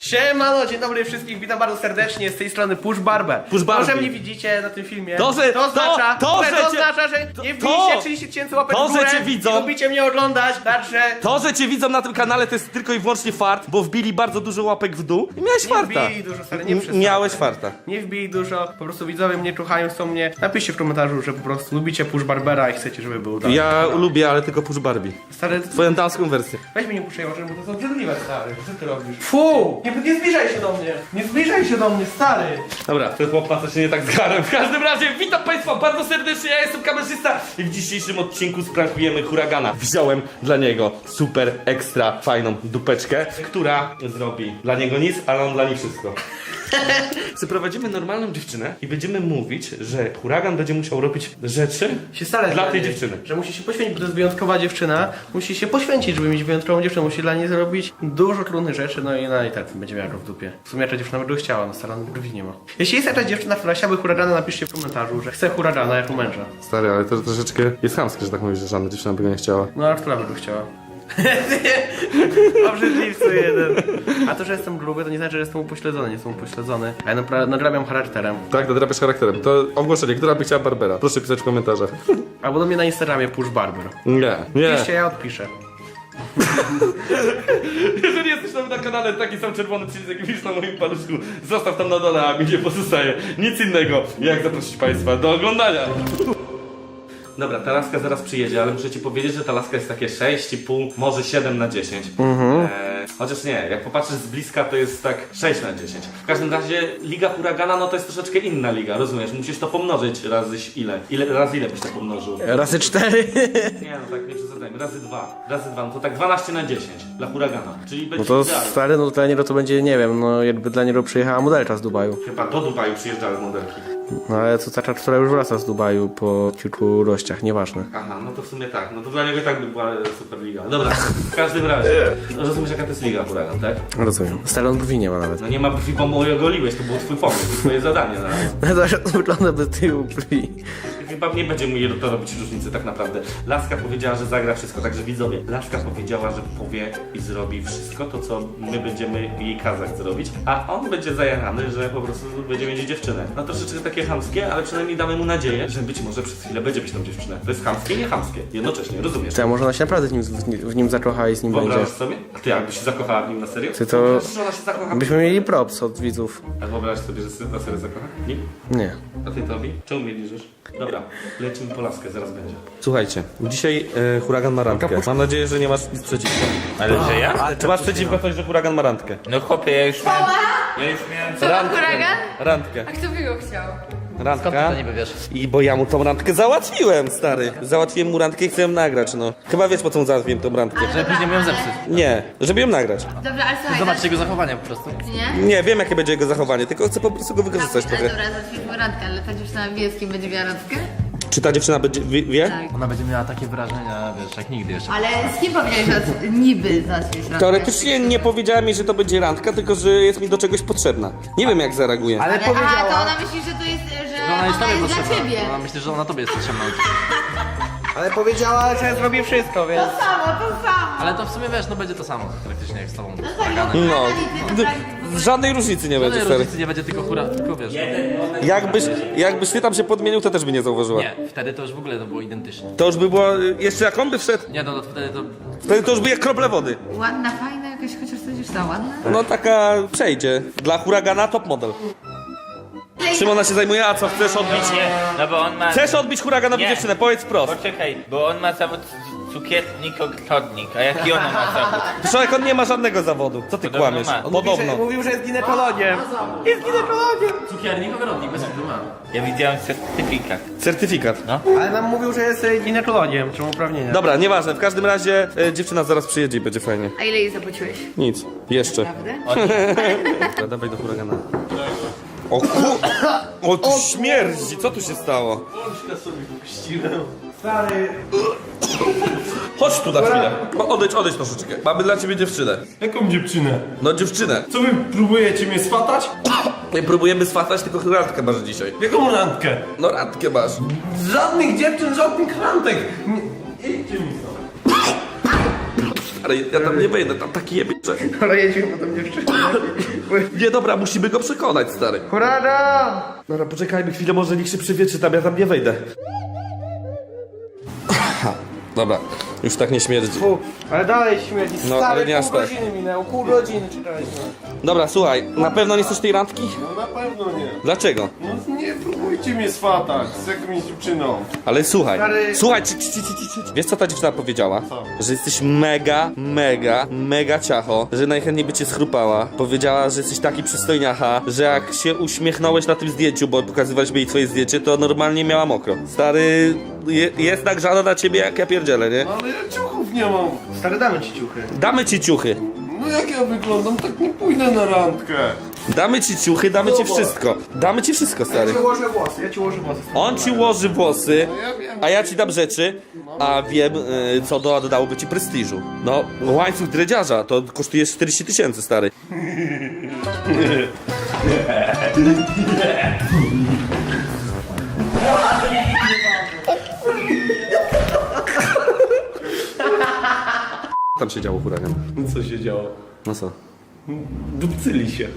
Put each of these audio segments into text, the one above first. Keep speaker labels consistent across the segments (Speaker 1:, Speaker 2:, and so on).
Speaker 1: Siemano, dzień dobry wszystkich, witam bardzo serdecznie, z tej strony Push Barber.
Speaker 2: Push Barbie.
Speaker 1: To, że mnie widzicie na tym filmie,
Speaker 2: To, że-
Speaker 1: to oznacza,
Speaker 2: to, że
Speaker 1: oznacza, że nie wbiliście 30 tysięcy łapek w górę
Speaker 2: że cię widzą.
Speaker 1: i lubicie mnie oglądać, także...
Speaker 2: To, że cię widzą na tym kanale, to jest tylko i wyłącznie fart, bo wbili bardzo dużo łapek w dół i miałeś
Speaker 1: Nie
Speaker 2: farta.
Speaker 1: wbili dużo, stary, nie przesadzaj.
Speaker 2: Miałeś farta.
Speaker 1: Nie wbili dużo, po prostu widzowie mnie czuchają, chcą mnie. Napiszcie w komentarzu, że po prostu lubicie Push Barbera i chcecie, żeby był dalej.
Speaker 2: Ja lubię, ale tylko Push Barbie.
Speaker 1: Stary,
Speaker 2: Twoją damską wersję.
Speaker 1: weź mnie nie puszczaj oczy, bo to jest obrzydliwe, stary. Co ty robisz? Fu! Nie zbliżaj się do mnie! Nie zbliżaj się do mnie, stary!
Speaker 2: Dobra, to chłopca się nie tak zgarłem. W każdym razie, witam Państwa bardzo serdecznie, ja jestem kamerzysta i w dzisiejszym odcinku sprankujemy huragana. Wziąłem dla niego super ekstra fajną dupeczkę, która zrobi dla niego nic, ale on dla niej wszystko. Przyprowadzimy normalną dziewczynę i będziemy mówić, że huragan będzie musiał robić rzeczy
Speaker 1: Się starać
Speaker 2: dla tej
Speaker 1: niej,
Speaker 2: dziewczyny.
Speaker 1: Że musi się poświęcić, bo to jest wyjątkowa dziewczyna. Musi się poświęcić, żeby mieć wyjątkową dziewczynę. Musi dla niej zrobić dużo trudnych rzeczy, no i tak będzie miała go w dupie. W sumie jaka dziewczyna by chciała, no stara brwi nie ma. Jeśli jest jakaś dziewczyna, która chciałaby huragana, napiszcie w komentarzu, że chce huragana jako męża.
Speaker 2: Stary, ale to troszeczkę jest chamskie, że tak mówisz, że żadna dziewczyna by go nie chciała.
Speaker 1: No a która by go chciała? Obrzydliwcy jeden. A to, że jestem gruby, to nie znaczy, że jestem upośledzony, nie jestem upośledzony. A ja nadrabiam charakterem.
Speaker 2: Tak, nadrabiasz charakterem. To ogłoszenie, która by chciała Barbera? Proszę pisać w komentarzach.
Speaker 1: Albo do mnie na Instagramie Push Barber.
Speaker 2: Nie, nie.
Speaker 1: Piszcie, ja odpiszę.
Speaker 2: Jeżeli jesteś tam na kanale, taki sam czerwony przycisk, jaki widzisz na moim paluszku, zostaw tam na dole, a mi nie pozostaje nic innego, jak zaprosić Państwa do oglądania. Dobra, ta laska zaraz przyjedzie, ale muszę Ci powiedzieć, że ta laska jest takie 6,5, może 7 na 10. Chociaż nie, jak popatrzysz z bliska, to jest tak 6 na 10. W każdym razie Liga Huragana, no to jest troszeczkę inna liga, rozumiesz? Musisz to pomnożyć razy ile? Razy ile byś to pomnożył?
Speaker 1: Razy 4.
Speaker 2: Nie, no tak, nie przesadzajmy. Razy 2, no to tak 12 na 10 dla Huragana. Czyli
Speaker 1: No
Speaker 2: będzie
Speaker 1: to
Speaker 2: idealnie.
Speaker 1: stary, no dla niego to będzie, nie wiem, no jakby dla niego przyjechała modelka z Dubaju.
Speaker 2: Chyba do Dubaju przyjeżdżały modelki.
Speaker 1: No ale to taka, która już wraca z Dubaju po kilku rościach, nieważne.
Speaker 2: Aha, no to w sumie tak. No to dla niego i tak by była super liga. Dobra, w każdym razie. Rozumiesz, jaka to jest liga Huragan, tak?
Speaker 1: Rozumiem. Stary, on brwi nie ma nawet.
Speaker 2: No nie ma brwi, bo mu je ogoliłeś, to był twój pomysł, to twoje zadanie zaraz.
Speaker 1: No to wygląda bez tyłu brwi.
Speaker 2: Chyba nie będzie mu to robić różnicy tak naprawdę. Laska powiedziała, że zagra wszystko, także widzowie. Laska powiedziała, że powie i zrobi wszystko to, co my będziemy jej kazać zrobić, a on będzie zajarany, że po prostu będzie mieć dziewczynę. No troszeczkę takie chamskie, ale przynajmniej damy mu nadzieję, że być może przez chwilę będzie mieć tą dziewczynę. To jest chamskie, nie chamskie. Jednocześnie, rozumiesz?
Speaker 1: To ja może ona się naprawdę w nim zakocha i z nim będzie.
Speaker 2: Wyobrażasz sobie? A ty jakbyś się zakochała w nim na serio?
Speaker 1: Ty to-
Speaker 2: Wyobrażasz, że ona się zakocha?
Speaker 1: Byśmy mieli props od widzów.
Speaker 2: A wyobrażasz sobie, że się na serio zakocha? Nie?
Speaker 1: Nie.
Speaker 2: A ty Tobi? Czemu mnie liżysz? Dobra, lecimy po laskę, zaraz będzie. Słuchajcie, dzisiaj huragan ma randkę. Mam nadzieję, że nie masz nic przeciwko.
Speaker 3: Ale że ja?
Speaker 2: Czy masz przeciwko coś, że huragan ma randkę?
Speaker 3: No chłopie, ja już miałem...
Speaker 4: Co, huragan?
Speaker 2: Randkę.
Speaker 4: A kto by go chciał?
Speaker 2: Randka.
Speaker 3: niby wiesz?
Speaker 2: I bo ja mu tą randkę załatwiłem, stary. Załatwiłem mu randkę i chcę ją nagrać, no. Chyba wiesz, po co mu załatwiłem tą randkę.
Speaker 3: Żeby później ją zepsuć.
Speaker 2: Nie, żeby ją nagrać.
Speaker 4: Dobra, ale słuchaj,
Speaker 3: Zobaczcie jego zachowanie po prostu.
Speaker 4: nie?
Speaker 2: Nie, wiem jakie będzie jego zachowanie, tylko chcę po prostu go wykorzystać
Speaker 4: Ale
Speaker 2: trochę.
Speaker 4: dobra, zacznijmy randkę, ale ta dziewczyna wie, z kim będzie miała randkę?
Speaker 2: Czy ta dziewczyna będzie, wie?
Speaker 4: Tak.
Speaker 3: Ona będzie miała takie wrażenia, wiesz, jak nigdy jeszcze.
Speaker 4: Ale z kim powiedziałeś, że niby zaczniesz randkę?
Speaker 2: Teoretycznie nie powiedziała mi, że to będzie randka, tylko że jest mi do czegoś potrzebna. Nie wiem jak zareaguje.
Speaker 1: Ale
Speaker 4: Aha, to ona myśli, że to jest, że
Speaker 3: Ona jest tobie
Speaker 4: dla
Speaker 3: potrzebna.
Speaker 4: ciebie.
Speaker 3: Ona myśli, że ona tobie jest potrzebna.
Speaker 1: Ale powiedziała, że zrobi wszystko, więc...
Speaker 4: To samo.
Speaker 3: Ale to w sumie wiesz, no będzie to samo praktycznie jak z tobą.
Speaker 4: No tak, no
Speaker 2: No,
Speaker 4: ty naprawdę...
Speaker 2: żadnej różnicy nie będzie,
Speaker 3: Żadnej
Speaker 2: stary.
Speaker 3: różnicy nie będzie, tylko tylko wiesz.
Speaker 2: Jakbyś ty tam się podmienił, to też by nie zauważyła.
Speaker 3: Nie, wtedy to już w ogóle to było identyczne.
Speaker 2: To już by było, jeszcze jak on by wszedł,
Speaker 3: Nie, no to wtedy to...
Speaker 2: wtedy to już by jak krople wody.
Speaker 4: Ładna, fajna jakaś, chociaż to dziewczyna ładna.
Speaker 2: No taka przejdzie. Dla huragana top model. Czym ona się zajmuje? A co, chcesz odbić?
Speaker 5: Nie, no bo on ma...
Speaker 2: Chcesz odbić huraganowi
Speaker 5: Nie.
Speaker 2: dziewczynę, powiedz wprost.
Speaker 5: Poczekaj, bo on ma zawód cukiernik-ogrodnik, a jaki ona ma zawód?
Speaker 2: Człowiek, on nie ma żadnego zawodu. Co ty
Speaker 5: Podobno
Speaker 2: kłamiesz?
Speaker 5: ma.
Speaker 2: Podobno.
Speaker 1: Mówił, że jest ginekologiem. Jest ginekologiem.
Speaker 3: Cukiernik, ogrodnik, bez wpływu ma.
Speaker 5: Ja widziałem certyfikat.
Speaker 2: Certyfikat.
Speaker 1: Ale nam mówił, że jest ginekologiem, czy ma uprawnienia.
Speaker 2: Dobra, nieważne. W każdym razie dziewczyna zaraz przyjedzie i będzie fajnie.
Speaker 4: A ile jej zapłaciłeś?
Speaker 2: Nic. Jeszcze.
Speaker 4: Prawda?
Speaker 2: Dobra, dawaj do huragana. O O, tu śmierdzi. Co tu się stało?
Speaker 1: Stary...
Speaker 2: Chodź tu na chwilę. Odejdź troszeczkę. Mamy dla ciebie dziewczynę.
Speaker 6: Jaką dziewczynę?
Speaker 2: No dziewczynę.
Speaker 6: Co wy próbujecie mnie swatać?
Speaker 2: Nie próbujemy swatać, tylko randkę masz dzisiaj.
Speaker 6: Jaką randkę?
Speaker 2: No randkę masz.
Speaker 6: Żadnych dziewczyn, żadnych randek! Idźcie mi stąd.
Speaker 2: Ale ja tam nie wejdę, tam taki jebie, że...
Speaker 1: Ale jedźmy potem dziewczynę.
Speaker 2: Nie, dobra, musimy go przekonać, stary.
Speaker 1: Hurada!
Speaker 2: Dobra, poczekajmy chwilę, może niech się przywietrzy tam, ja tam nie wejdę. Dobra, już tak nie śmierdzi.
Speaker 1: Fu, ale dalej śmierdzi.
Speaker 2: No,
Speaker 1: Stary,
Speaker 2: ale nie aż
Speaker 1: pół
Speaker 2: tak.
Speaker 1: godziny minęło, pół godziny czekaliśmy.
Speaker 2: Dobra, słuchaj, na pewno nie chcesz tej randki?
Speaker 6: No na pewno nie.
Speaker 2: Dlaczego?
Speaker 6: No nie próbujcie mnie swatać z jakimś dziewczyną.
Speaker 2: Ale słuchaj,
Speaker 1: Stary-
Speaker 2: słuchaj, wiesz co ta dziewczyna powiedziała? Że jesteś mega ciacho, że najchętniej by cię schrupała. Powiedziała, że jesteś taki przystojniacha, że jak się uśmiechnąłeś na tym zdjęciu, bo pokazywaliśmy jej twoje zdjęcie, to normalnie miała mokro. Stary, jest nagrzana na ciebie jak ja pierdzielę, nie?
Speaker 6: No ale ja ciuchów nie mam.
Speaker 1: Stary, damy ci ciuchy.
Speaker 2: Damy ci ciuchy.
Speaker 6: No jak ja wyglądam, tak nie pójdę na randkę.
Speaker 2: Damy ci ciuchy, damy ci wszystko. Damy ci wszystko, stary.
Speaker 1: Ja ci ułożę włosy, ja ci ułożę włosy.
Speaker 2: On ci ułoży włosy,
Speaker 6: No ja wiem.
Speaker 2: a ja ci dam rzeczy, a wiem, co dodałoby ci prestiżu. No, łańcuch dredziarza, to kosztuje 40 000, stary. Tam się działo huragan.
Speaker 6: Co się działo?
Speaker 2: No co?
Speaker 6: Dupcyli się.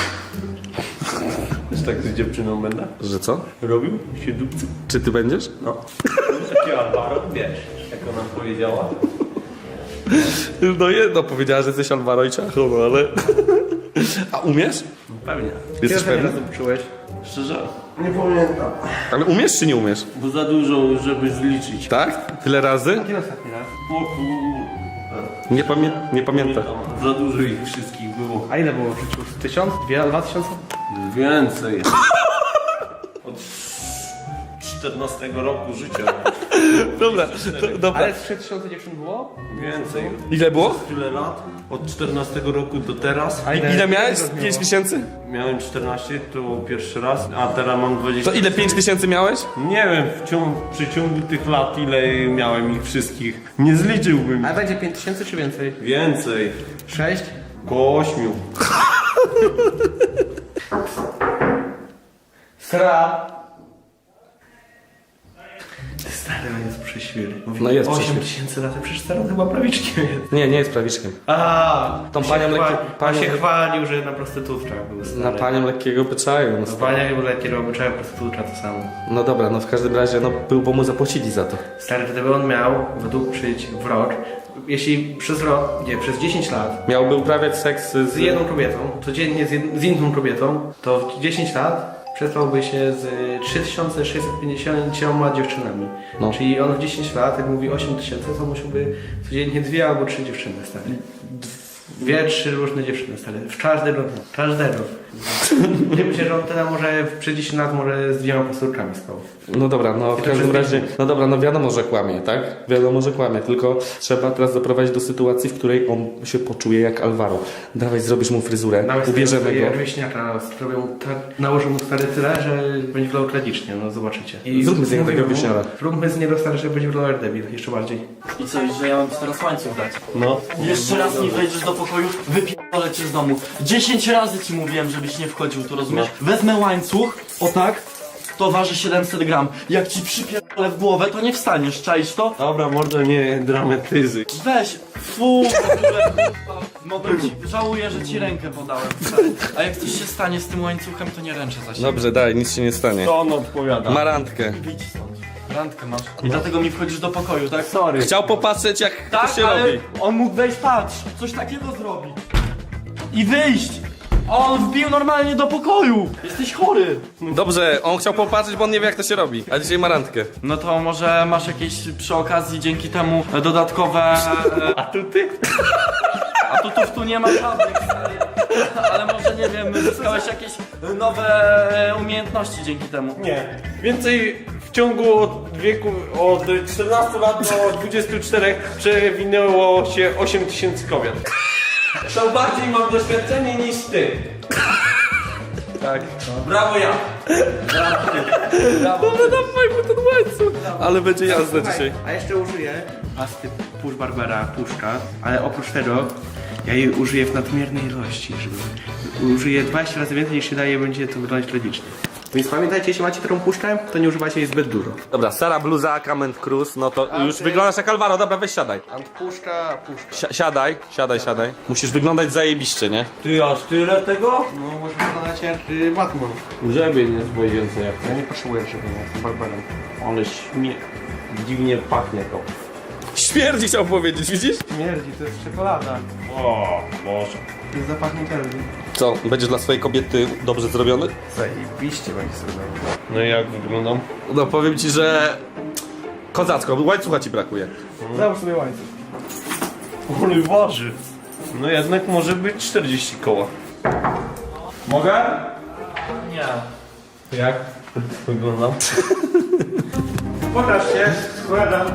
Speaker 6: Też tak z dziewczyną będę
Speaker 2: Że co?
Speaker 6: robił? Się dupcy?
Speaker 2: Czy ty będziesz?
Speaker 6: No. Taki Alvaro, wiesz, jak ona powiedziała.
Speaker 2: No jedno powiedziała, że jesteś Alvaro i ciacho, no ale... A umiesz?
Speaker 6: Pewnie.
Speaker 2: Jesteś
Speaker 1: Kiedy
Speaker 2: pewny?
Speaker 1: razem czułeś?
Speaker 6: Szczerze? Nie pamiętam.
Speaker 2: Ale umiesz czy nie umiesz?
Speaker 6: Bo za dużo, żeby zliczyć.
Speaker 2: Tak? Tyle razy?
Speaker 1: Kiedy ostatni raz?
Speaker 6: O kur...
Speaker 2: Nie pamiętam.
Speaker 6: Za dużo ich wszystkich było.
Speaker 1: A ile było w życiu? 1000? 2000?
Speaker 6: Więcej. Od 14 roku życia.
Speaker 2: Dobra, dobra.
Speaker 1: Ale z 3000 dziewczyn było?
Speaker 6: Więcej.
Speaker 2: Ile było?
Speaker 6: Tyle lat. Od 14 roku do teraz.
Speaker 1: A
Speaker 2: Ile miałeś?
Speaker 1: ile
Speaker 2: 5 miesięcy?
Speaker 6: Miałem 14, to pierwszy raz, a teraz mam 20.
Speaker 2: To ile 5 miesięcy miałeś?
Speaker 6: Nie wiem, w przeciągu tych lat ile miałem ich wszystkich. Nie zliczyłbym.
Speaker 1: A będzie 5000 czy więcej?
Speaker 6: Więcej.
Speaker 1: 6?
Speaker 6: Koło 8.
Speaker 1: Sra. Stary, on jest przeświry. Mówi,
Speaker 2: No jest
Speaker 1: 8000 lat, przecież stary on chyba prawiczkiem jest.
Speaker 2: Nie jest prawiczkiem.
Speaker 1: A,
Speaker 2: Tą
Speaker 1: on
Speaker 2: panią
Speaker 1: się
Speaker 2: lekkie-
Speaker 1: on się
Speaker 2: panią-
Speaker 1: chwalił, że na prostytutkach był stary.
Speaker 2: Na panią lekkiego byczaju.
Speaker 1: No panią lekkiego obyczaju, prostytutka to samo.
Speaker 2: No dobra, no w każdym razie, no był, bo mu zapłacili za to.
Speaker 1: Stary, gdyby on miał według przyjść w rok, jeśli przez rok, nie, przez 10 lat
Speaker 2: Miałby uprawiać seks
Speaker 1: z jedną kobietą, codziennie z inną kobietą, to w 10 lat przespałby się z 3650 dziewczynami.
Speaker 2: No.
Speaker 1: Czyli on w 10 lat, jak mówi 8000, to musiałby codziennie 2 albo 3 dziewczyny, stary. 2-3 różne dziewczyny, stary. W każdego dnia. Każdego. Nie myślę, że on tyle może przez 10 lat może z 2 pasturkami spał.
Speaker 2: No dobra, no w
Speaker 1: to
Speaker 2: każdym
Speaker 1: przez
Speaker 2: razie, no dobra, no wiadomo, że kłamie, tak? Wiadomo, że kłamie, tylko trzeba teraz doprowadzić do sytuacji, w której on się poczuje jak Alvaro. Dawaj, zrobisz mu fryzurę, ubierzemy go.
Speaker 1: Wieśniaka, nałożę mu stary tyle, że będzie wyglądał tragicznie, no zobaczycie.
Speaker 2: Zróbmy z niego takiego wieśniara.
Speaker 1: Zróbmy z niego stary, że będzie wyglądał jak debil, jeszcze bardziej.
Speaker 3: I co, że ja mam ci teraz łańcuch dać?
Speaker 6: No.
Speaker 3: Jeszcze raz nie wejdziesz do pokoju, wypierdolę cię z domu. 10 razy ci mówiłem, żebyś nie wchodził tu, rozumiesz? Wezmę łańcuch, o tak, to waży 700 gram. Jak ci przypierdolę w głowę, to nie wstaniesz, czaisz to?
Speaker 6: Dobra, mordo, nie dramatyzy.
Speaker 3: Weź, fu, w ogóle, mogę ci, żałuję, że ci rękę podałem. Stary. A jak coś się stanie z tym łańcuchem, to nie ręczę za siebie.
Speaker 2: Dobrze, daj, nic się nie stanie.
Speaker 6: To on odpowiada.
Speaker 2: Ma randkę.
Speaker 3: Idź stąd. Randkę masz. I dlatego mi wchodzisz do pokoju, tak?
Speaker 6: Sorry.
Speaker 2: Chciał popatrzeć, jak
Speaker 3: Tak,
Speaker 2: to się
Speaker 3: ale
Speaker 2: robi.
Speaker 3: on mógł wejść, patrz, coś takiego zrobi. I wyjść. On wbił normalnie do pokoju. Jesteś chory.
Speaker 2: Dobrze, on chciał popatrzeć, bo on nie wie, jak to się robi. A dzisiaj ma randkę.
Speaker 3: No to może masz jakieś przy okazji dzięki temu dodatkowe...
Speaker 6: Atuty?
Speaker 3: Atutów tu nie ma żadnych, stary. Ale może, nie wiem, zyskałeś jakieś nowe umiejętności dzięki temu.
Speaker 6: Nie. Więcej w ciągu od 14 lat do 24 przewinęło się 8000 kobiet. To bardziej mam doświadczenie niż ty.
Speaker 1: Tak.
Speaker 6: Brawo ja.
Speaker 2: Dobra, dawaj mu ten łańcuch. Ale będzie jazda dzisiaj.
Speaker 1: A jeszcze użyję pasty Push Barbera Puszka, ale oprócz tego ja jej użyję w nadmiernej ilości, żeby użyję 20 razy więcej niż się daje, będzie to wyglądać tragicznie. Więc pamiętajcie, jeśli macie tą puszkę, to nie używajcie jej zbyt dużo.
Speaker 2: Dobra, Sara bluza, Comment Cruz, no to już wyglądasz jak Alvaro, dobra, weź siadaj.
Speaker 1: Puszka.
Speaker 2: Siadaj. Musisz wyglądać zajebiście, nie?
Speaker 6: Ty aż tyle tego?
Speaker 1: No, może wyglądać jak Batman.
Speaker 6: Żeby nie zbyt więcej jak
Speaker 1: Ja nie potrzebuję żeby nie, jestem barbarem.
Speaker 6: ale dziwnie pachnie to.
Speaker 2: Śmierdzi chciał powiedzieć, widzisz?
Speaker 1: Śmierdzi, to jest czekolada.
Speaker 6: O, Boże.
Speaker 1: To jest zapach Nutelli.
Speaker 2: Co, będziesz dla swojej kobiety dobrze zrobiony?
Speaker 1: Zajebiście będzie sobie.
Speaker 6: No i jak wyglądam?
Speaker 2: No powiem ci, że... Kozacko, łańcucha ci brakuje.
Speaker 1: Załóż sobie łańcuch.
Speaker 6: Ale waży. No jednak może być 40 koła.
Speaker 2: Mogę?
Speaker 3: Nie.
Speaker 6: Jak wyglądam?
Speaker 1: Pokaż się, składam.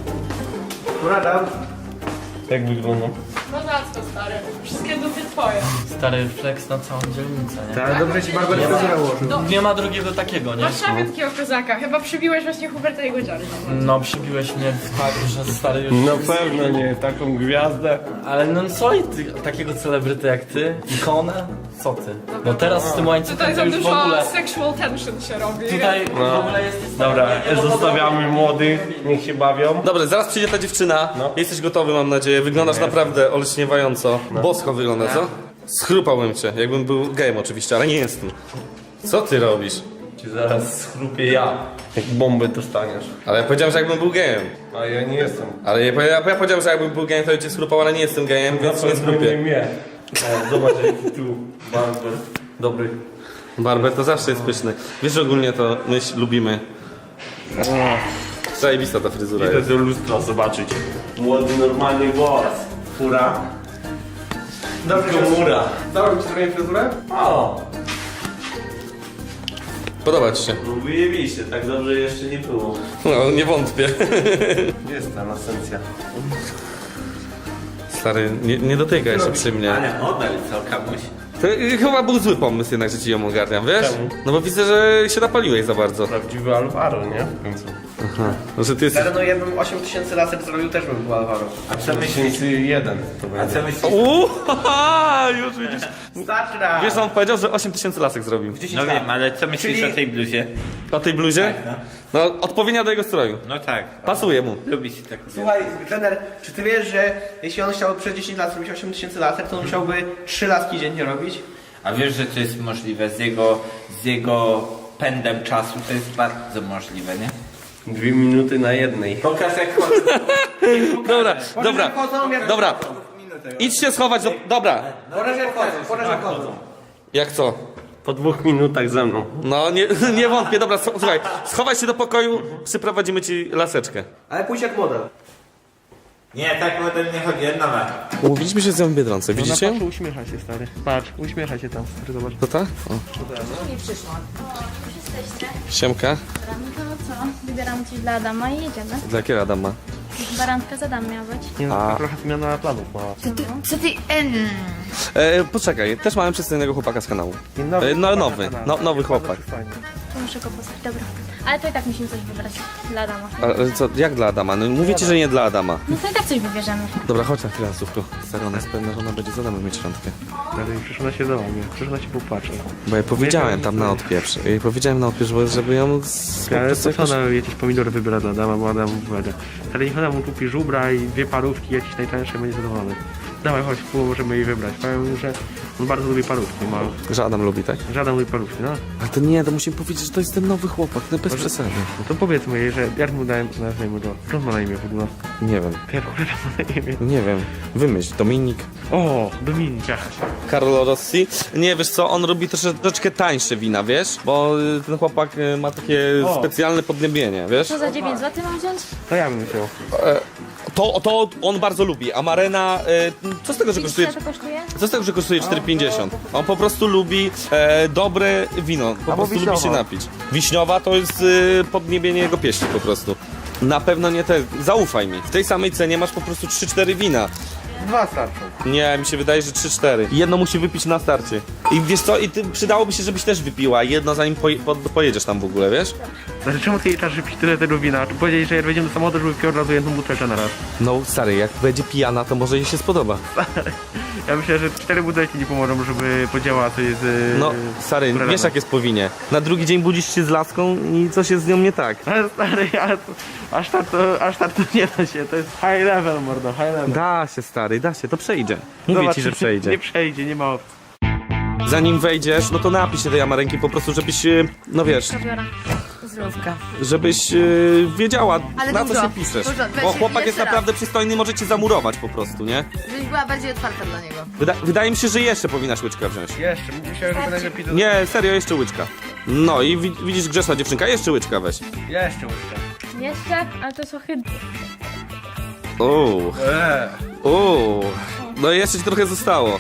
Speaker 6: Jak wyglądam?
Speaker 7: No za co, stary? Wszystkie dupy twoje.
Speaker 3: Stary flex na całą dzielnicę, nie?
Speaker 1: Ale dobrze ci Barber fryzurę ułożył.
Speaker 3: Nie ma drugiego takiego, nie?
Speaker 7: Masz szafę takiego kozaka. Chyba przybiłeś właśnie Huberta jego dziary.
Speaker 3: No przybiłeś mnie tak, że stary już...
Speaker 6: Na pewno nie, taką gwiazdę.
Speaker 3: Ale no co i ty, takiego celebryty jak ty? Ikonę? Co ty? No teraz z tym łańcuchem
Speaker 7: Tutaj
Speaker 3: to
Speaker 7: za
Speaker 3: już w
Speaker 7: dużo
Speaker 3: ogóle...
Speaker 7: sexual tension się robi.
Speaker 3: Tutaj w ogóle jest...
Speaker 6: Dobra, zostawiamy młodych, niech się bawią.
Speaker 2: Dobra, zaraz przyjdzie ta dziewczyna. Jesteś gotowy, mam nadzieję. Wyglądasz naprawdę olśniewająco. Bosko wygląda, co? Schrupałbym cię, jakbym był gejem oczywiście, ale nie jestem. Co ty robisz?
Speaker 6: Ci zaraz schrupię ja, jak bombę dostaniesz.
Speaker 2: Ale ja powiedziałem, że jakbym był gejem.
Speaker 6: A ja nie jestem.
Speaker 2: Ale ja powiedziałem, że jakbym był gejem, to ja cię schrupał, ale nie jestem gejem, więc się nie schrupię.
Speaker 6: Nie. O, zobacz jaki tu barber. Dobry.
Speaker 2: Barber to zawsze jest pyszny. Wiesz, że ogólnie to my lubimy. Zajebista ta fryzura
Speaker 6: Idę
Speaker 2: jest.
Speaker 6: do lustra zobaczyć. Młody, normalny głos. Fura.
Speaker 1: Dobrze,
Speaker 6: Mura.
Speaker 1: Założył ci swoją fryzurę?
Speaker 6: O,
Speaker 2: Podoba ci się?
Speaker 6: no wyjebiście, tak dobrze jeszcze nie było.
Speaker 2: No, nie wątpię.
Speaker 6: Gdzie jest ta esencja?
Speaker 2: Stary, nie dotykaj się przy mnie.
Speaker 5: Ale model co, kamuś?
Speaker 2: To chyba był zły pomysł jednak, że ci ją ogarniam, wiesz?
Speaker 6: Czemu?
Speaker 2: No bo widzę, że się napaliłeś za bardzo.
Speaker 6: Prawdziwy Alvaro, nie? W końcu.
Speaker 2: No, że ty jesteś...
Speaker 1: Ale no ja bym 8000 laser zrobił, też bym był Alvaro.
Speaker 5: A co myślisz?
Speaker 6: 1001 to
Speaker 5: A
Speaker 6: będzie.
Speaker 5: co myślisz?
Speaker 2: Już widzisz.
Speaker 1: Starczy raz.
Speaker 2: Wiesz, on powiedział, że 8000 lasek zrobił.
Speaker 5: No wiem, ale co myślisz
Speaker 1: Czyli-
Speaker 5: o tej bluzie?
Speaker 2: O tej bluzie? No, odpowiednia do jego stroju.
Speaker 5: No tak.
Speaker 2: Pasuje mu.
Speaker 5: Lubi się tak.
Speaker 1: Słuchaj, trener, czy ty wiesz, że jeśli on chciał przez 10 lat robić 8000 laser, to on musiałby 3 laski dziennie robić?
Speaker 5: A wiesz, że to jest możliwe z jego pędem czasu, to jest bardzo możliwe, nie?
Speaker 6: 2 minuty na jednej.
Speaker 5: Pokaż jak chodzi.
Speaker 2: Dobra. Idź się schować do... Dobra.
Speaker 1: Pokaż jak chodzą.
Speaker 2: Jak co?
Speaker 6: Po 2 minutach ze mną.
Speaker 2: No, nie wątpię. Dobra, słuchaj. Schowaj się do pokoju, przyprowadzimy ci laseczkę.
Speaker 1: Ale pójdź jak model.
Speaker 5: Nie, tak model nie chodzi, nowa.
Speaker 2: Umówiliśmy się z nią w Biedronce, widzicie?
Speaker 1: Patrz, uśmiecha się stary. Patrz, uśmiecha się tam, stary, zobacz.
Speaker 2: To ta? O.
Speaker 8: Nie przyszłam. Już jesteście.
Speaker 2: Siemka.
Speaker 8: No to co? Wybieram coś dla Adama i jedziemy.
Speaker 2: Dla jakiego Adama?
Speaker 8: Barantka z Adam miała być.
Speaker 1: Nie no, trochę zmiana planów mała.
Speaker 8: Co ty...
Speaker 2: Poczekaj, też mamy przedstawionego chłopaka z kanału.
Speaker 1: Nowy
Speaker 2: Nowy, nowy chłopak.
Speaker 8: To muszę go poznać. Dobra. Ale to i tak musimy coś wybrać dla Adama.
Speaker 2: Ale co, jak dla Adama? No mówię ci, że nie dla Adama.
Speaker 8: No to i tak coś wybierzemy.
Speaker 2: Dobra, chodź na chwilę, Słówko. Stary, ona jest pewna, że ona będzie z Adamem mieć randkę.
Speaker 1: Ale przecież ona się do mnie, przecież ona się popatrzy.
Speaker 2: Bo ja powiedziałem tam na odpieprz. Ja jej powiedziałem na odpieprz, żeby ją...
Speaker 1: Ale co ona jakieś pomidory wybiera dla Adama, bo Adam wybiera. Ale niech ona mu kupi żubra i 2 parówki, jakieś najtańsze, będzie zadowolony. Dawaj, chodź, możemy jej wybrać. Powiem, że on bardzo lubi parówki,
Speaker 2: Że Adam lubi, tak?
Speaker 1: Żaden lubi parówki, no.
Speaker 2: Ale to nie, to musimy powiedzieć, że to jest ten nowy chłopak, no bez przesady.
Speaker 1: No to powiedzmy jej, że jak mu nazwijmy go. Co on ma na imię w ogóle?
Speaker 2: Nie wiem,
Speaker 1: Jak ma na imię?
Speaker 2: nie wiem. Wymyśl, Dominik.
Speaker 1: O, Dominika.
Speaker 2: Carlo Rossi. Nie, wiesz co, on robi troszeczkę tańsze wina, wiesz? Bo ten chłopak ma takie specjalne podniebienie, wiesz?
Speaker 8: Co za 9 zł mam wziąć?
Speaker 1: To ja bym chciał.
Speaker 2: To on bardzo lubi, a Marena, co z tego, że kosztuje...
Speaker 8: Ile to kosztuje?
Speaker 2: Co z tego, że kosztuje 4,50? On po prostu lubi dobre wino, po prostu lubi się napić. Wiśniowa to jest podniebienie jego pieśni po prostu. Na pewno nie te, zaufaj mi. W tej samej cenie masz po prostu 3-4 wina.
Speaker 1: 2 starczą.
Speaker 2: Nie, mi się wydaje, że 3-4. Jedno musi wypić na starcie. I wiesz co, i ty, przydałoby się, żebyś też wypiła jedno, zanim pojedziesz tam w ogóle, wiesz?
Speaker 1: Znaczy, czemu ty jej czas pić tyle tego wina? Powiedzieli, że jak wejdziemy do samochodu, żeby pił od razu jedną butelkę na raz.
Speaker 2: No stary, jak będzie pijana, to może jej się spodoba.
Speaker 1: Ja myślę, że 4 butelki nie pomogą, żeby podziałała coś z...
Speaker 2: No stary, wiesz jak jest po winie. Na drugi dzień budzisz się z laską i coś jest z nią nie tak.
Speaker 1: Ale stary, ale to, aż tak to nie da się, to jest high level, mordo, high level.
Speaker 2: Da się stary, da się, to przejdzie. Mówię
Speaker 1: Zobacz,
Speaker 2: ci, że przejdzie.
Speaker 1: Nie przejdzie, nie ma opcji.
Speaker 2: Zanim wejdziesz, no to napij się tej amarenki po prostu, żebyś, no wiesz,
Speaker 8: Biorę.
Speaker 4: Zdrówka.
Speaker 2: żebyś wiedziała,
Speaker 4: Ale
Speaker 2: na
Speaker 4: dużo,
Speaker 2: co się piszesz.
Speaker 4: dużo. Weź
Speaker 2: Bo chłopak jest
Speaker 4: jeszcze raz.
Speaker 2: naprawdę przystojny, może cię zamurować po prostu, nie?
Speaker 4: Żebyś była bardziej otwarta dla niego.
Speaker 2: Wydaje mi się, że jeszcze powinnaś łyczka wziąć.
Speaker 1: Jeszcze, myślałem, że najlepiej to...
Speaker 2: Nie, serio, jeszcze łyczka. No i widzisz, grzeszna dziewczynka, jeszcze łyczka weź.
Speaker 1: Jeszcze łyżkę.
Speaker 8: Jeszcze? Ale to jest ohydne.
Speaker 2: No i jeszcze ci trochę zostało.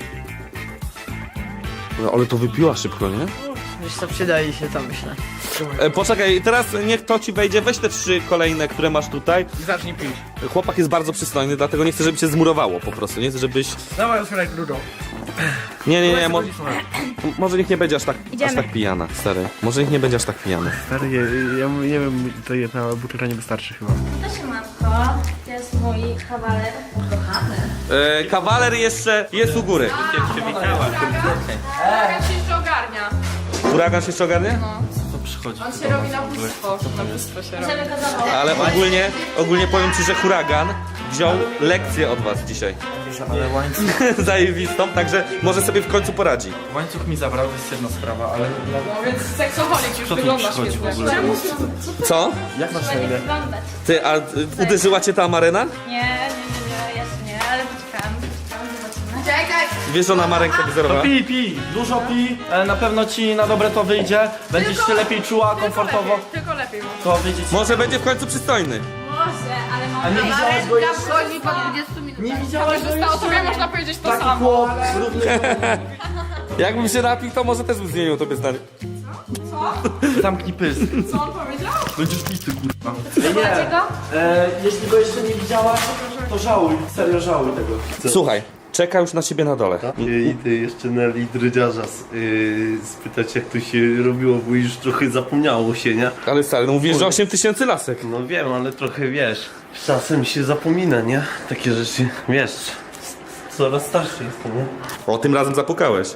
Speaker 2: No, ale to wypiła szybko, nie?
Speaker 9: Wiesz co, przydaje się to, myślę.
Speaker 2: Poczekaj, teraz niech to ci wejdzie, weź te 3 kolejne, które masz tutaj.
Speaker 1: I zacznij pić.
Speaker 2: Chłopak jest bardzo przystojny, dlatego nie chcę, żeby cię zmurowało po prostu, nie chcę, żebyś...
Speaker 1: Dawaj, otwieraj grudą.
Speaker 2: Nie, może niech nie będzie aż tak
Speaker 8: Idziemy.
Speaker 2: pijana, stary. Może niech nie będzie aż tak pijana.
Speaker 1: Stary, ja nie wiem, to jedna butelka nie wystarczy chyba.
Speaker 8: To się matko. To jest mój kawaler.
Speaker 2: Kawaler jeszcze jest u góry.
Speaker 7: Huragan się jeszcze ogarnia.
Speaker 2: Huragan się jeszcze ogarnie?
Speaker 3: To przychodzi.
Speaker 7: On się robi na bóstwo. Na bóstwo się robi.
Speaker 8: Żeby go zawołać.
Speaker 2: Ale ogólnie powiem ci, że huragan wziął lekcję od was dzisiaj.
Speaker 3: Ale łańcuch,
Speaker 2: Zajebistą, także może sobie w końcu poradzi.
Speaker 3: łańcuch mi zabrał, to jest jedna sprawa, ale
Speaker 7: No więc seksoholik już
Speaker 3: tu
Speaker 7: wygląda
Speaker 3: przychodzi w
Speaker 7: świetnie.
Speaker 3: ogóle?
Speaker 7: Czemu?
Speaker 2: Co?
Speaker 3: jak masz na
Speaker 8: Będzie
Speaker 3: imię?
Speaker 8: wyglądać.
Speaker 2: Ty, a uderzyła cię ta Amarena?
Speaker 8: Nie, jeszcze nie, ale poczekam, zobaczymy.
Speaker 7: Czekaj!
Speaker 2: Wiesz, że ona ma rękę wzorową?
Speaker 3: Pij, dużo pij, na pewno ci na dobre to wyjdzie, będziesz się lepiej czuła, komfortowo,
Speaker 7: Tylko lepiej.
Speaker 3: to wyjdzie ci.
Speaker 2: Może będzie w końcu przystojny.
Speaker 8: Może, ale
Speaker 3: A nie
Speaker 8: mam...
Speaker 3: widziałaś go jeszcze?
Speaker 4: Wchodzi po 20 minutach.
Speaker 3: Nie widziałaś go
Speaker 7: Zostało
Speaker 3: jeszcze?
Speaker 7: tobie można powiedzieć to
Speaker 3: Taki
Speaker 7: samo.
Speaker 3: chłop, równy.
Speaker 2: Jakbym się napił, to może też bym zmienił tobie zdanie.
Speaker 3: Zamknij pysk.
Speaker 7: Co on powiedział?
Speaker 3: Będziesz pity, kurwa.
Speaker 8: Macie go?
Speaker 3: Jeśli go jeszcze nie widziałaś, to żałuj, serio żałuj tego.
Speaker 2: Słuchaj, czeka już na ciebie na dole.
Speaker 10: I ty jeszcze na lidrydziarza spytać jak to się robiło, bo już trochę zapomniało się, nie?
Speaker 2: Ale stary, no mówisz, że 8000 lasek.
Speaker 10: No wiem, ale trochę wiesz, czasem się zapomina, nie? Takie rzeczy, wiesz, coraz starszy jestem, nie?
Speaker 2: O, tym razem zapukałeś.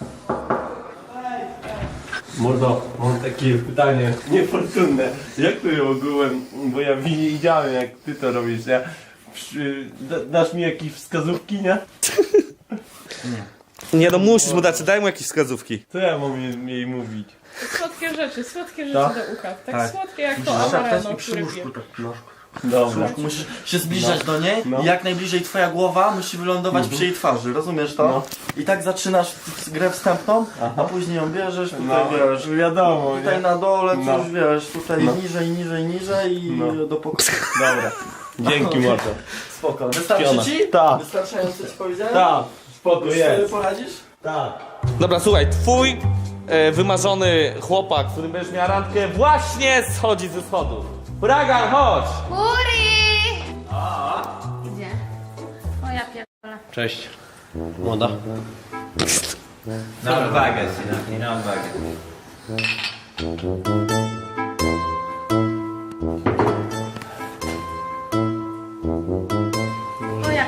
Speaker 10: Mordo, mam takie pytanie niefortunne. Jak ty ogółem, bo ja widziałem jak ty to robisz, nie? Dasz mi jakieś wskazówki, nie?
Speaker 2: Nie no, musisz mu dać, daj mu jakieś wskazówki.
Speaker 10: Co ja mam jej mówić?
Speaker 7: Słodkie rzeczy
Speaker 10: Tak?
Speaker 7: do ucha. Tak,
Speaker 3: Tak.
Speaker 7: słodkie jak to
Speaker 3: Szeptać
Speaker 7: amareno,
Speaker 3: i przy
Speaker 7: który
Speaker 3: łóżku
Speaker 7: pije.
Speaker 3: tak, no.
Speaker 10: Dobra.
Speaker 3: Musisz się zbliżać do niej
Speaker 10: No.
Speaker 3: i jak najbliżej twoja głowa musi wylądować przy jej twarzy, rozumiesz to?
Speaker 10: No.
Speaker 3: I tak zaczynasz grę wstępną, a później ją bierzesz, tutaj
Speaker 10: No,
Speaker 3: wiesz,
Speaker 10: wiadomo,
Speaker 3: tutaj
Speaker 10: nie?
Speaker 3: na dole
Speaker 10: No.
Speaker 3: coś wiesz, tutaj
Speaker 10: No.
Speaker 3: niżej i
Speaker 10: No.
Speaker 3: do pokoju.
Speaker 10: Dobra. Dzięki mordo.
Speaker 3: Spoko. Wystarczy
Speaker 10: Piona.
Speaker 3: ci?
Speaker 10: Tak.
Speaker 3: Wystarczająco ci powiedziałem?
Speaker 10: Tak, spoko
Speaker 3: Już sobie
Speaker 10: jest.
Speaker 3: poradzisz?
Speaker 10: Tak.
Speaker 2: Dobra, słuchaj, twój wymarzony chłopak, z którym będziesz miała randkę, właśnie schodzi ze schodów. Huragan, chodź!
Speaker 8: Uri! Gdzie? O ja pierdolę.
Speaker 1: Cześć. Młoda.
Speaker 5: Na odwagę, syna, na odwagę.
Speaker 8: O ja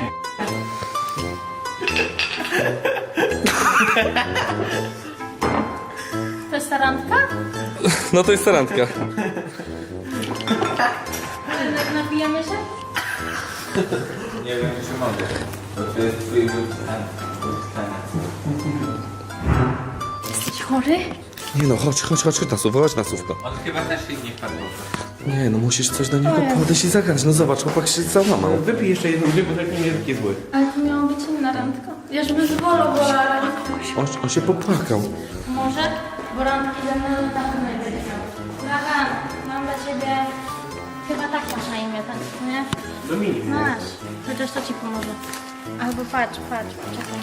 Speaker 8: To jest ta randka?
Speaker 2: No to jest ta randka.
Speaker 8: Napijemy się?
Speaker 5: Nie wiem, czy mogę. Bo to jest twój wybrany.
Speaker 8: Jesteś chory?
Speaker 2: Nie no, chodź na słówko.
Speaker 5: On chyba też się nie wpadł.
Speaker 2: Nie no, musisz coś do niego podejść i zagrać. No zobacz, chłopak się załamał.
Speaker 1: Wypij jeszcze jedną, dwie butelki, nie jest taki zły.
Speaker 8: Ale to miało być inna randka. Ja żeby zwolą, bo randka.
Speaker 2: On się popłakał.
Speaker 8: Może? Bo randki ze mną na pewno nie będzie miał. Dragan, mam dla ciebie... Chyba tak masz na imię, tak, nie?
Speaker 1: Dominik.
Speaker 8: Masz. Chociaż to ci pomoże. Albo patrz, poczekaj.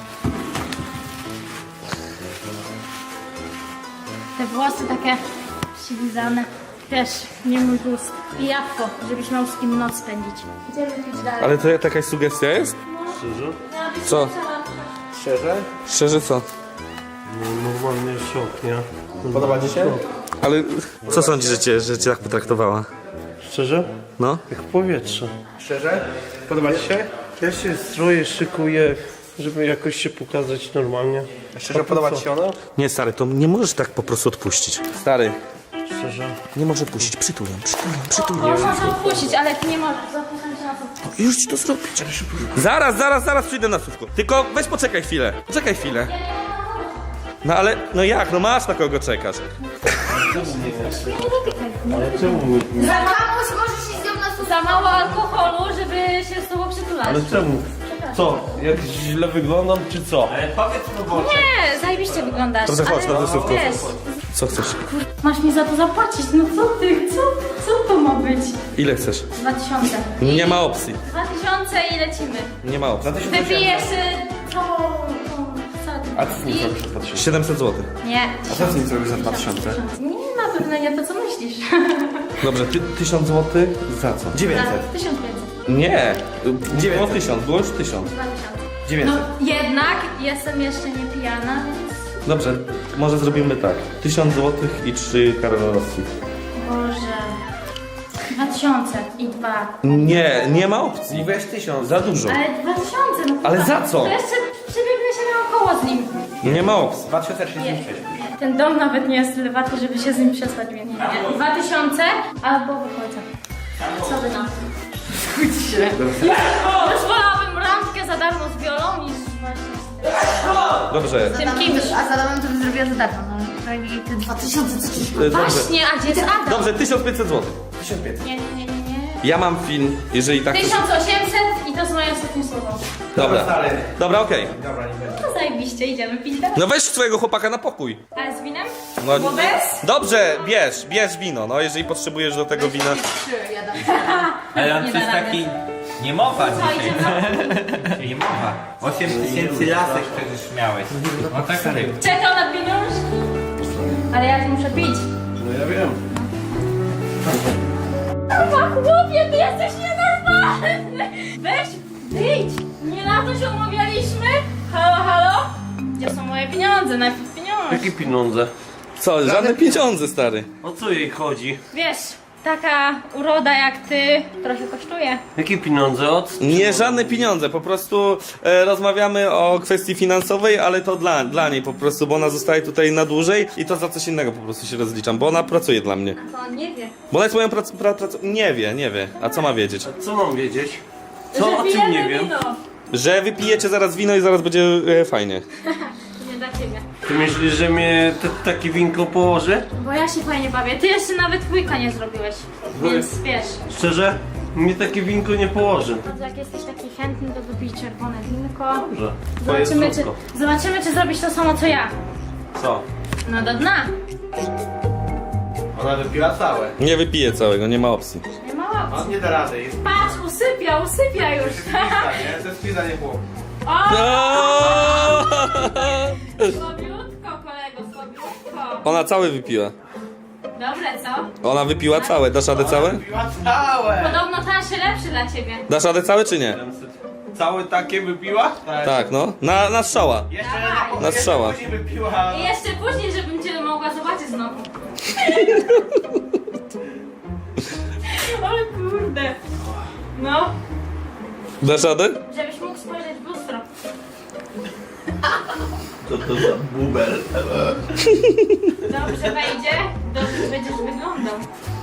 Speaker 8: Te włosy takie przylizane. Wiesz, nie mój gust. I jabłko, żebyś miał z kim noc spędzić. Idziemy pić dalej.
Speaker 2: Ale to jakaś sugestia jest?
Speaker 8: Miała być
Speaker 2: Co?
Speaker 8: lepsza randka.
Speaker 1: Szczerze?
Speaker 2: Szczerze co?
Speaker 10: No, normalnie szok, nie?
Speaker 1: Podoba ci się?
Speaker 2: Ale co sądzisz, że cię tak potraktowała?
Speaker 10: Szczerze?
Speaker 2: No?
Speaker 10: Jak powietrze.
Speaker 1: Szczerze? Podoba ci się?
Speaker 10: Ja się stroję, szykuję, żeby jakoś się pokazać normalnie.
Speaker 1: Szczerze, podoba ci się ona?
Speaker 2: Nie, stary, to nie możesz tak po prostu odpuścić. Stary,
Speaker 10: Szczerze.
Speaker 2: nie może odpuścić. Przytul ją.
Speaker 8: Można to odpuścić, ale ty nie możesz. Zapraszam cię na to.
Speaker 2: Już ci to zrobić. Zaraz przyjdę na słówko. Tylko weź poczekaj chwilę. Poczekaj chwilę. No ale, no jak? No masz na kogo czekasz.
Speaker 10: Ale czemu mi...
Speaker 8: Za mało możesz się z nią na Za mało alkoholu, żeby się z tobą przytulać.
Speaker 10: Ale czemu? Co? Jak źle wyglądam, czy co?
Speaker 5: Ale powiedz mu, bo...
Speaker 8: Nie, zajebiście wyglądasz.
Speaker 2: Dobrze, chodź
Speaker 8: ale
Speaker 2: na dosłówko.
Speaker 8: wiesz,
Speaker 2: Co chcesz?
Speaker 8: masz mi za to zapłacić. No co ty? Co to ma być?
Speaker 2: Ile chcesz?
Speaker 8: 2000.
Speaker 2: Nie ma opcji.
Speaker 8: 2000 i lecimy.
Speaker 2: Nie ma opcji.
Speaker 8: Wypijesz całą
Speaker 1: A co z nim zrobisz za 2000?
Speaker 2: 700 zł.
Speaker 8: Nie.
Speaker 1: A co z nim zrobisz za 2000?
Speaker 8: Nie, na pewno nie to, co myślisz.
Speaker 2: Dobrze, 1000 zł za co?
Speaker 1: 900.
Speaker 8: 1500.
Speaker 2: Nie. Było
Speaker 1: 900.
Speaker 2: 1000, było już 1000.
Speaker 8: 2000.
Speaker 1: 900.
Speaker 8: No jednak jestem jeszcze nie pijana, więc...
Speaker 2: Dobrze, może zrobimy tak. 1000 zł i 3 karolowski.
Speaker 8: Boże... 2000 i 2.
Speaker 2: Nie ma opcji.
Speaker 1: I weź 1000.
Speaker 2: Za dużo.
Speaker 8: Ale 2000, no
Speaker 2: Ale
Speaker 8: to-
Speaker 2: za co?
Speaker 8: To jeszcze przebiegnę się naokoło z nim.
Speaker 2: Nie ma opcji.
Speaker 1: 2036.
Speaker 8: Ten dom nawet nie jest tyle warty, żeby się z nim przespać, więc nie. 2000 albo wychodzę. Co wy na to? Już wolałabym randkę za darmo z Wiolą niż właśnie
Speaker 2: Dobrze.
Speaker 8: z tym kimś.
Speaker 4: A za domem to bym zrobiła za darmo, no. Przynajmniej te 2000 co ci...
Speaker 2: Dobrze.
Speaker 8: Właśnie, a gdzie jest Adam?
Speaker 2: Dobrze, 1500 zł.
Speaker 1: 1500.
Speaker 8: Nie.
Speaker 2: Ja mam film, jeżeli tak...
Speaker 8: 1800 i to jest moje ostatnie słowo.
Speaker 2: Dobra.
Speaker 1: Stary.
Speaker 2: Dobra, okej.
Speaker 1: Dobra, nie będzie.
Speaker 8: To zajebiście, idziemy pić dalej.
Speaker 2: No weź swojego chłopaka na pokój.
Speaker 8: Ale z winem?
Speaker 2: No,
Speaker 8: Bo bez?
Speaker 2: dobrze, bierz wino, no jeżeli potrzebujesz do tego wina.
Speaker 4: Ja dam.
Speaker 5: Ale on
Speaker 8: Nie
Speaker 5: to jest
Speaker 8: da rady.
Speaker 5: taki... Niemowa
Speaker 8: Co,
Speaker 5: dzisiaj.
Speaker 8: idziemy?
Speaker 5: Niemowa. 8000 lasek przecież miałeś. No tak ryb.
Speaker 8: Czekał na pieniążki. Ale ja tu muszę pić.
Speaker 10: No ja wiem.
Speaker 8: Chyba chłopie, ty jesteś nienormalny! Weź, wyjdź! Nie na to się umawialiśmy? Halo? Gdzie są moje pieniądze? Najpierw pieniądze.
Speaker 10: Jakie pieniądze?
Speaker 2: Co, żadne pieniądze, stary.
Speaker 10: O co jej chodzi?
Speaker 8: Wiesz, taka uroda jak ty trochę kosztuje.
Speaker 10: Jakie pieniądze? Od...
Speaker 2: Nie, żadne pieniądze, po prostu rozmawiamy o kwestii finansowej, ale to dla niej po prostu, bo ona zostaje tutaj na dłużej i to za coś innego po prostu się rozliczam, bo ona pracuje dla mnie.
Speaker 8: To on nie wie.
Speaker 2: Bo ona jest moją Nie wie. A co ma wiedzieć?
Speaker 10: Co mam wiedzieć?
Speaker 8: Że
Speaker 10: Co? O czym
Speaker 8: pijemy
Speaker 10: nie wiem?
Speaker 8: wino.
Speaker 2: Że wypijecie zaraz wino i zaraz będzie fajnie.
Speaker 8: Nie dla ciebie.
Speaker 10: Ty myślisz, że mnie takie winko położy?
Speaker 8: Bo ja się fajnie bawię. Ty jeszcze nawet łyka nie zrobiłeś. Więc wiesz.
Speaker 10: Szczerze? Mnie takie winko nie położy.
Speaker 8: No to jak jesteś taki chętny, to wypij czerwone winko.
Speaker 10: Dobrze. Twoje zdrówko.
Speaker 8: Zobaczymy, czy zrobisz to samo co ja.
Speaker 10: Co?
Speaker 8: No do dna.
Speaker 1: Ona wypiła całe.
Speaker 2: Nie wypiję całego, nie ma opcji.
Speaker 8: Nie ma opcji.
Speaker 1: On nie da rady. Jest
Speaker 8: Patrz, usypia już.
Speaker 1: pizza, nie? To jest pizza, nie chłop.
Speaker 8: Słabiutko, kolego, słabiutko.
Speaker 2: Ona całe wypiła.
Speaker 8: Dobre, co?
Speaker 2: Ona wypiła całe. Dasz radę całe?
Speaker 1: Wypiła całe!
Speaker 8: Podobno ten się lepszy dla ciebie.
Speaker 2: Dasz radę całe czy nie?
Speaker 10: Całe takie wypiła?
Speaker 2: Tak, no. Na strzała.
Speaker 1: Jeszcze
Speaker 8: Dawaj.
Speaker 2: Na strzała.
Speaker 1: później wypiła.
Speaker 8: I jeszcze później, żebym cię mogła zobaczyć znowu. Ale kurde. No,
Speaker 2: Dasz radę?
Speaker 8: żebyś mógł spojrzeć w lustro.
Speaker 10: Co to za bubel?
Speaker 8: Dobrze wejdzie, dobrze będziesz wyglądał.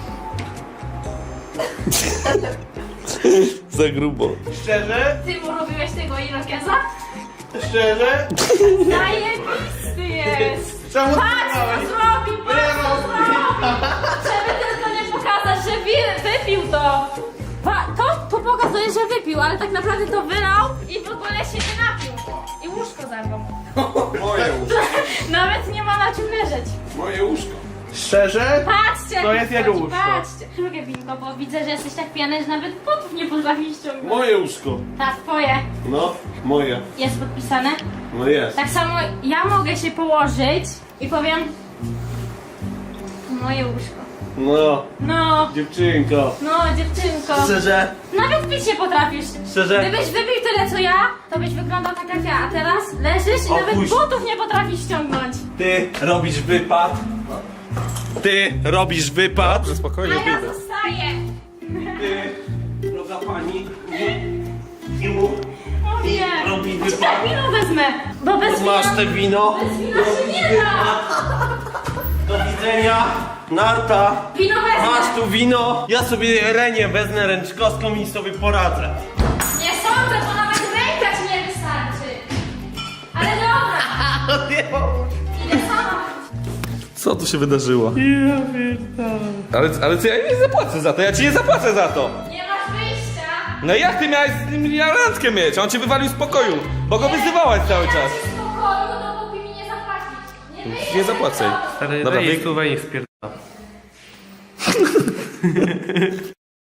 Speaker 2: Za grubo.
Speaker 1: Szczerze?
Speaker 8: Ty mu robiłeś tego irokeza?
Speaker 1: Szczerze?
Speaker 8: Zajebisty jest!
Speaker 1: Czemu ty
Speaker 8: Patrz co
Speaker 1: miałeś?
Speaker 8: zrobił, patrz co zrobił! Żeby tylko nie pokazać, że wypił to! To pokazuje, że wypił, ale tak naprawdę to wylał i w ogóle się nie napił. I łóżko zabrał.
Speaker 10: Moje łóżko.
Speaker 8: Nawet nie ma na czym leżeć.
Speaker 10: Moje łóżko.
Speaker 1: Szczerze?
Speaker 8: Patrzcie, jak
Speaker 1: To jest jego
Speaker 8: wchodzi,
Speaker 1: łóżko.
Speaker 8: patrzcie. Drugie winko, bo widzę, że jesteś tak pijany, że nawet potów nie potrafisz ściągnąć.
Speaker 10: Moje łóżko.
Speaker 8: Tak, twoje.
Speaker 10: No, moje.
Speaker 8: Jest podpisane.
Speaker 10: No jest.
Speaker 8: Tak samo ja mogę się położyć i powiem moje łóżko.
Speaker 6: No,
Speaker 8: No,
Speaker 6: dziewczynko.
Speaker 8: no dziewczynko.
Speaker 3: Szczerze?
Speaker 8: Nawet pić się potrafisz.
Speaker 3: Szczerze?
Speaker 8: Gdybyś wypił tyle co ja, to byś wyglądał tak jak ja, a teraz leżysz i nawet
Speaker 3: Opuść.
Speaker 8: butów nie potrafisz ściągnąć.
Speaker 6: Ty robisz wypad. Ty robisz wypad.
Speaker 2: Dobrze,
Speaker 8: A
Speaker 2: spokojnie,
Speaker 8: ja
Speaker 2: wyjdę.
Speaker 8: zostaję.
Speaker 6: Ty, droga pani, nie mów.
Speaker 8: O nie.
Speaker 6: Robi wypad.
Speaker 8: Czekaj, wino wezmę. Bo bez
Speaker 6: Masz
Speaker 8: wina,
Speaker 6: te wino.
Speaker 8: bez wina się nie da.
Speaker 6: Do widzenia. Narta.
Speaker 8: Wino wezmę.
Speaker 6: Masz tu wino. Ja sobie Renię wezmę ręczkowską i sobie poradzę.
Speaker 8: Nie sądzę, bo nawet ręka ci nie wystarczy. Ale dobra. Idę sama.
Speaker 2: Co tu się wydarzyło? Ale co, ja nie zapłacę za to, ja ci nie zapłacę za to!
Speaker 8: Nie masz wyjścia.
Speaker 2: No jak ty miałeś z nim randkę mieć? On cię wywalił z pokoju, bo go wyzywałaś cały
Speaker 8: Nie
Speaker 2: czas.
Speaker 8: dam ci spokoju, dopóki mi nie zapłacisz. Nie wyjdziesz
Speaker 2: Nie zapłacę.
Speaker 8: z tego.
Speaker 1: Stary,
Speaker 2: Dobra,
Speaker 1: daj jej
Speaker 2: wyjdź.
Speaker 1: kurwa i ich spierdala.